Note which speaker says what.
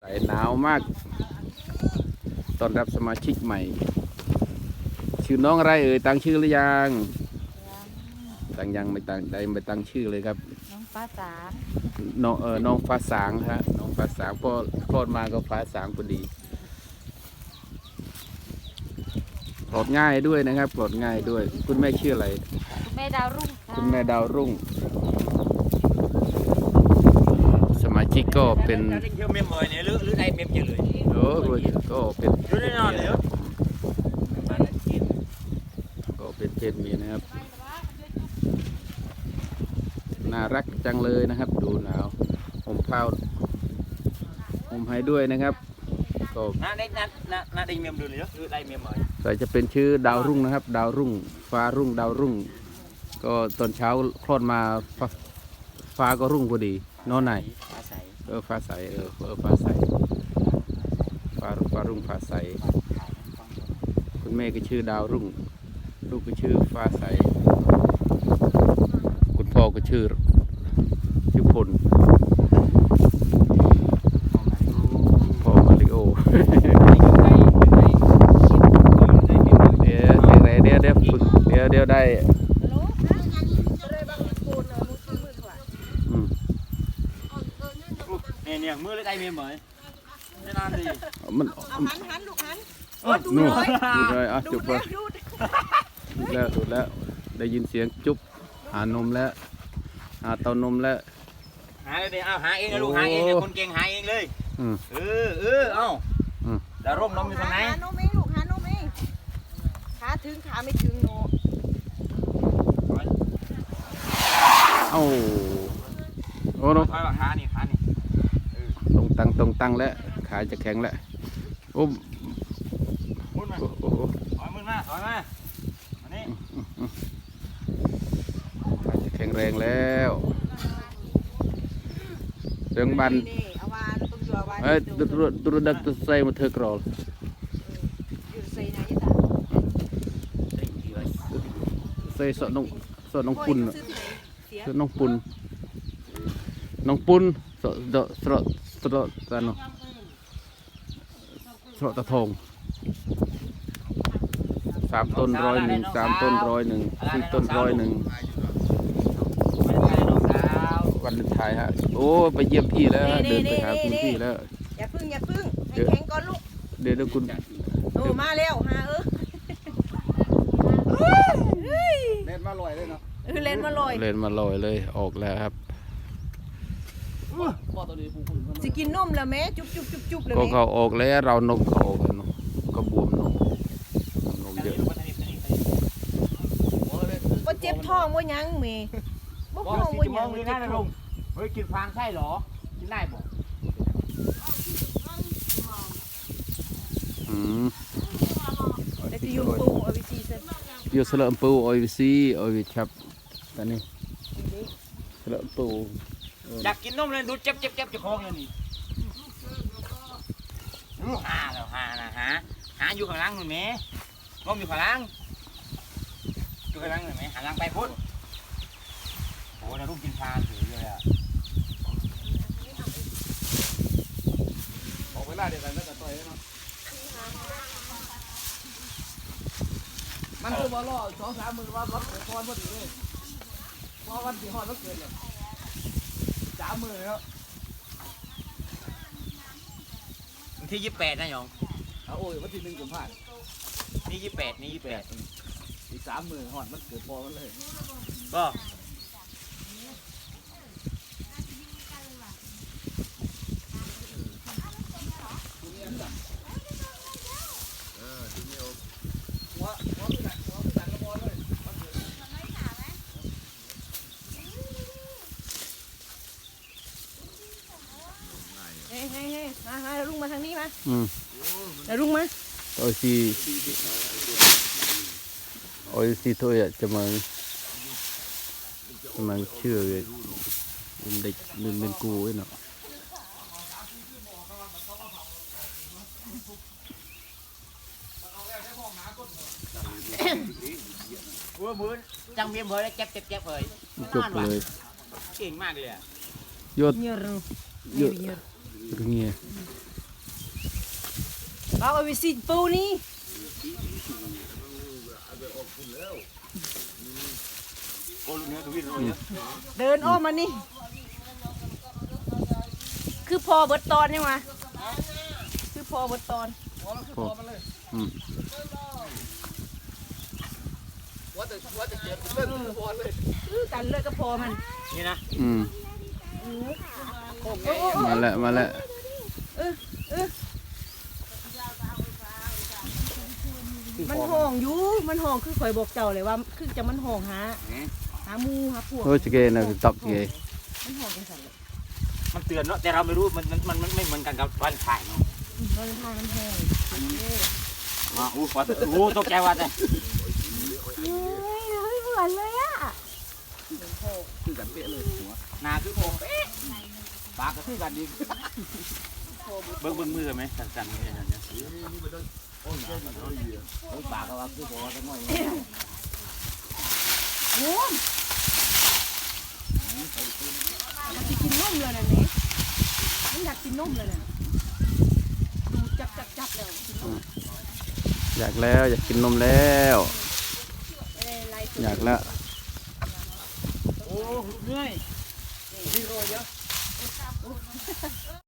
Speaker 1: หนาวมากต้อนรับสมาชิกใหม่ชื่อน้องอะไรเอ่ยตั้งชื่อหรือยังตั้งยังไม่ตั้งชื่อเลยครับ
Speaker 2: น้องฟ้าสาง
Speaker 1: น้องฟ้าสางฮะน้องฟ้าสางพอคลอดมาก็ฟ้าสางพอดีปลดง่ายด้วยนะครับปลดง่ายด้วยคุณแม่ชื่ออะไร
Speaker 2: คุณแม่ดาวรุ่ง
Speaker 1: คุณแม่ดาวรุ่งสมาชิกก็เป็น
Speaker 3: เที่ยวเมมเลยเนี่ยหรือได้เมมเยอะเลย
Speaker 1: โอ้ก็เป็น
Speaker 3: ดูแน่นอนเลย
Speaker 1: ก็เป็นเพศเมียนะครับน่ารักจังเลยนะครับดูหนาวผมเผาผมให้ด้วยนะครับก็
Speaker 3: น่าได้เมมดูเลยหรือได้เมมเลย
Speaker 1: แต่จะเป็นชื่อดาวรุ่งนะครับดาวรุ่งฟ้ารุ่งดาวรุ่งก็ตอนเช้าคลอดมาฟ้าก็รุ่งพอดีนอนไหน
Speaker 3: ฟ้าใส
Speaker 1: ฟ้าใสฟ้าใสฟ้ารุ่งฟ้าใสคุณแม่ก็ชื่อดาวรุ่งลูกก็ชื่อฟ้าใสคุณพ่อก็ชื่อพลพ่อมาริโอเดี๋ยวได้
Speaker 3: เนี่ยมือเลยได้เมมเหมยไม่นานดี
Speaker 1: มัน
Speaker 2: หันลูกหัน
Speaker 1: ดูเลยจุบเลยดูแล้วได้ยินเสียงจุบหานมแล้วหาเต้านมแล้ว
Speaker 3: หาเลยเอาหาเองนะลูกหาเองคนเก่งหาเองเลยเอาดาวร่มนมอยู่ตรงไหน
Speaker 2: หานมเองลูกหานมเองขาถึงขาไม่ถึงโน
Speaker 1: โอ้โห
Speaker 3: ขานี่
Speaker 1: ตรงตั้งแล้วขาจะแข็งแล้วโอ้
Speaker 3: มุนมาถอยมาอันนี้
Speaker 1: ขาจะแข็งแรงแล้วเรื่องบันตัวดักตัวใส่มาเธอกรอลใส่สอน้องปุ่นน้องปุ่นสระตาโนสระตะทอง3 ต้น101 3 ต้น101 4 ต้น101วันเลนไทน์ฮะโอ้ไปเยี่ยมพี่แล้วเดินไปหาคุณพี่แล้ว
Speaker 2: อย่าพึ่งให้แข็งก่อนลูก
Speaker 1: เดี๋ยวคุณ
Speaker 2: มาแล้วฮะ
Speaker 3: เล่นมาลอยเลยเนาะ
Speaker 2: เล่นมาล
Speaker 1: อยเลยออกแล้วครับ
Speaker 2: จะกินนมแล้วแม่จุบเลย
Speaker 1: ก็เขาออกแล้วเรานมเขาออกแล้วก็บวมนมเยอะ
Speaker 2: ก็เจ็บท้องว่ายังเมย์
Speaker 3: บ่ท้องว่ายังเจ็บท้องเฮ้ยกินฟางใช่หรอกินได้บ่
Speaker 2: แต่ที่ยูปูเอาวิซีเซน
Speaker 1: ยูสลัมปูเอาวิซีเอาวิชับแต่นี่สลัมปู
Speaker 3: อยากกินนมเลยดูเจ็บจะคล้องเลยนี่หาแล้วหานะหาอยู่ข้างล่างหน่อยไหมนมอยู่ข้างล่างหน่อยไหมหาล่างไปพุทธโอ้เราลูกกินฟางถือเลยอ่ะออกเวลาเดียวกันก็จะต่อยเนาะมันคือว่าล่อ2-3 มื้อว่ารับพรพอดีเลยเพราะวันที่ฮอดมันเกิดเลย3 มื้อแล้ววันที่28นะหยองโอ้ยวันที่1 กุมภาพันธ์นี่28อีก3 มื้อฮอดมันเกิดพอมันเลยก็
Speaker 2: มาลุงมาทางนี้มาลุงมา
Speaker 1: โอ้ยสิthôi ạจะมาเชื่อเลยเด็กเป็นกูไอ้เนาะ
Speaker 3: มือจังเมียมือแล้วเจ็บเลย
Speaker 1: จบเลย
Speaker 3: เก่งมากเลยอ่ะ
Speaker 1: ยอดเงี้ย
Speaker 2: เราเอาไปสิปูนี่
Speaker 3: โอ้ลูกเนื้อตัววิ่งเลย
Speaker 2: เดินอ้อมมานี่คือพอเบิดตอนนี่มาคือพอเบิดตอน
Speaker 1: โอ้อืม
Speaker 2: คือกันเลยก็พอมัน
Speaker 3: นี่นะ
Speaker 1: อืมมาแล้วมาแล้ว
Speaker 2: มันห่องอยู่มันห่องคือข่อยบอกเจ้าเลยว่าคือจะมันห่องหาหมูหาพวก
Speaker 1: โอ้ยเกนะตอกเก
Speaker 2: มันห่องกันสั่นเลย
Speaker 3: มันเตือนเนาะแต่เราไม่รู้มันไม่เหมือนกันกับวันถ่ายเนาะ
Speaker 2: เราเป็นทางมันห่อง
Speaker 3: อ๋ออู้ตกใจว่าแต่
Speaker 2: เฮ้ยเหมือนเลยอ่ะ
Speaker 3: คือกันเป๊ะเลยหัวหนาคือโคเป๊ะปากก็คือกันดีเบิ้งมือไหมสั่นๆเนี่ยเนี่ยโอ้ยปากก็ว่าคือโคตะง่อย
Speaker 2: โอ้ยอยากกินนมเลยนะเนี่ยมันอยากกินนมเลยนะดูจับเลย
Speaker 1: อยากแล้วอยากกินนมแล้ว
Speaker 2: อะไร
Speaker 1: อยากแล้ว
Speaker 3: โอ้เหนื่อยนี่โรยเยอะ